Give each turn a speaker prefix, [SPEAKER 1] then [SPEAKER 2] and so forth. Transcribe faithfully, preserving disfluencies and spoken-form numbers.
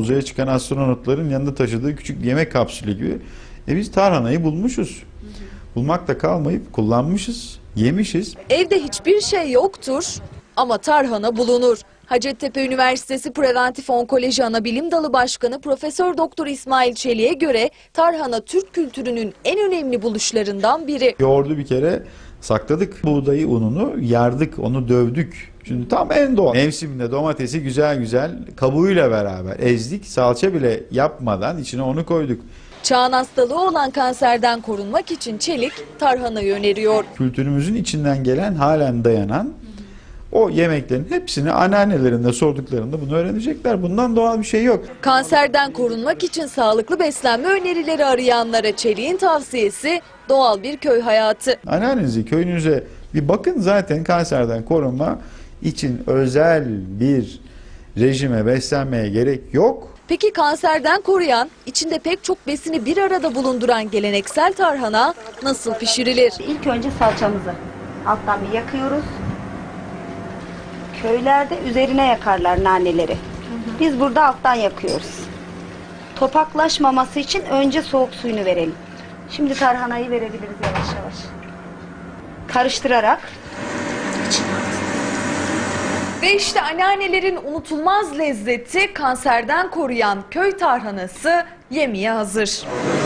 [SPEAKER 1] uzaya çıkan astronotların yanında taşıdığı küçük bir yemek kapsülü gibi. E biz tarhanayı bulmuşuz. Bulmakla kalmayıp kullanmışız, yemişiz.
[SPEAKER 2] Evde hiçbir şey yoktur ama tarhana bulunur. Hacettepe Üniversitesi Preventif Onkoloji Anabilim Dalı Başkanı Profesör Doktor İsmail Çelik'e göre tarhana Türk kültürünün en önemli buluşlarından biri.
[SPEAKER 1] Yoğurdu bir kere sakladık. Buğdayı ununu yardık, onu dövdük. Şimdi tam en doğal. Mevsiminde domatesi güzel güzel kabuğuyla beraber ezdik. Salça bile yapmadan içine onu koyduk.
[SPEAKER 2] Çağın hastalığı olan kanserden korunmak için Çelik tarhanayı öneriyor.
[SPEAKER 1] Kültürümüzün içinden gelen, halen dayanan o yemeklerin hepsini anneannelerinde sorduklarında bunu öğrenecekler. Bundan doğal bir şey yok.
[SPEAKER 2] Kanserden korunmak için sağlıklı beslenme önerileri arayanlara Çelik'in tavsiyesi doğal bir köy hayatı.
[SPEAKER 1] Anneannenize, köyünüze bir bakın, zaten kanserden korunma için özel bir rejime, beslenmeye gerek yok.
[SPEAKER 2] Peki kanserden koruyan, içinde pek çok besini bir arada bulunduran geleneksel tarhana nasıl pişirilir?
[SPEAKER 3] İlk önce salçamızı alttan bir yakıyoruz. Köylerde üzerine yakarlar naneleri. Biz burada alttan yakıyoruz. Topaklaşmaması için önce soğuk suyunu verelim. Şimdi tarhanayı verebiliriz yavaş yavaş. Karıştırarak.
[SPEAKER 2] Ve işte anneannelerin unutulmaz lezzeti, kanserden koruyan köy tarhanası yemeğe hazır.